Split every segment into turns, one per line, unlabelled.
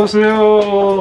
오세요.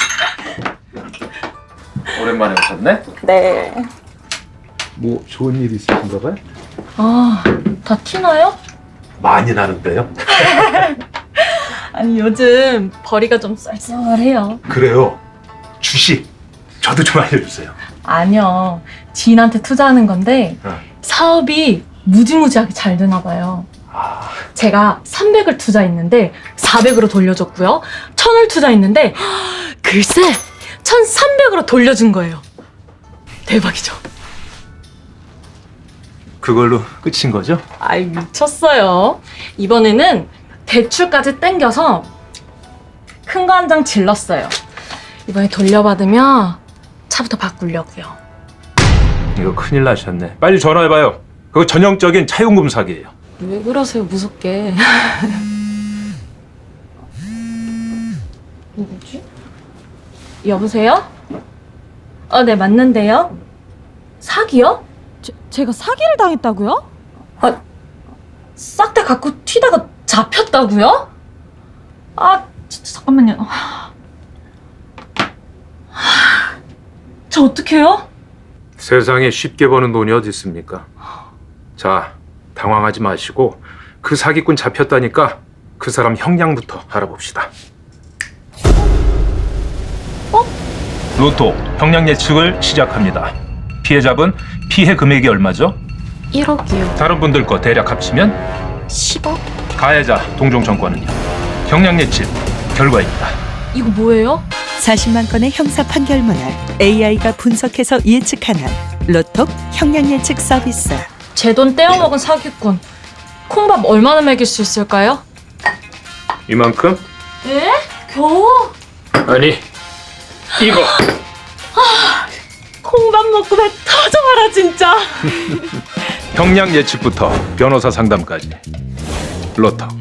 오랜만에 오셨네?
네.
뭐 좋은 일 있으신가 봐요?
아, 다 티나요?
많이 나는데요?
아니, 요즘 벌이가 좀 쌀쌀해요.
그래요. 주식 저도 좀 알려주세요.
아니요. 지인한테 투자하는 건데 사업이 무지무지하게 잘 되나 봐요. 제가 300을 투자했는데 400으로 돌려줬고요. 1000을 투자했는데 글쎄 1300으로 돌려준 거예요. 대박이죠?
그걸로 끝인 거죠?
아이, 미쳤어요. 이번에는 대출까지 땡겨서 큰 거 한 장 질렀어요. 이번에 돌려받으면 차부터 바꾸려고요.
이거 큰일 나셨네. 빨리 전화해봐요. 그거 전형적인 차용금 사기예요.
왜 그러세요, 무섭게. 누구지? 여보세요? 네, 맞는데요? 사기요?
제가 사기를 당했다고요?
싹 다 갖고 튀다가 잡혔다고요? 잠깐만요. 저 어떡해요?
세상에 쉽게 버는 돈이 어디 있습니까? 자, 당황하지 마시고 그 사기꾼 잡혔다니까 그 사람 형량부터 알아봅시다. 로또 형량 예측을 시작합니다. 피해자분 피해 금액이 얼마죠?
1억이요.
다른 분들 거 대략 합치면
10억?
가해자 동종청과는요. 형량 예측 결과입니다.
이거 뭐예요?
40만 건의 형사 판결문을 AI가 분석해서 예측하는 로톡 형량 예측 서비스.
제 돈 떼어먹은 사기꾼. 콩밥 얼마나 먹일 수 있을까요?
이만큼?
에? 겨우?
아니, 이거.
콩밥 먹고 배 터져봐라 진짜.
형량 예측부터 변호사 상담까지 로톡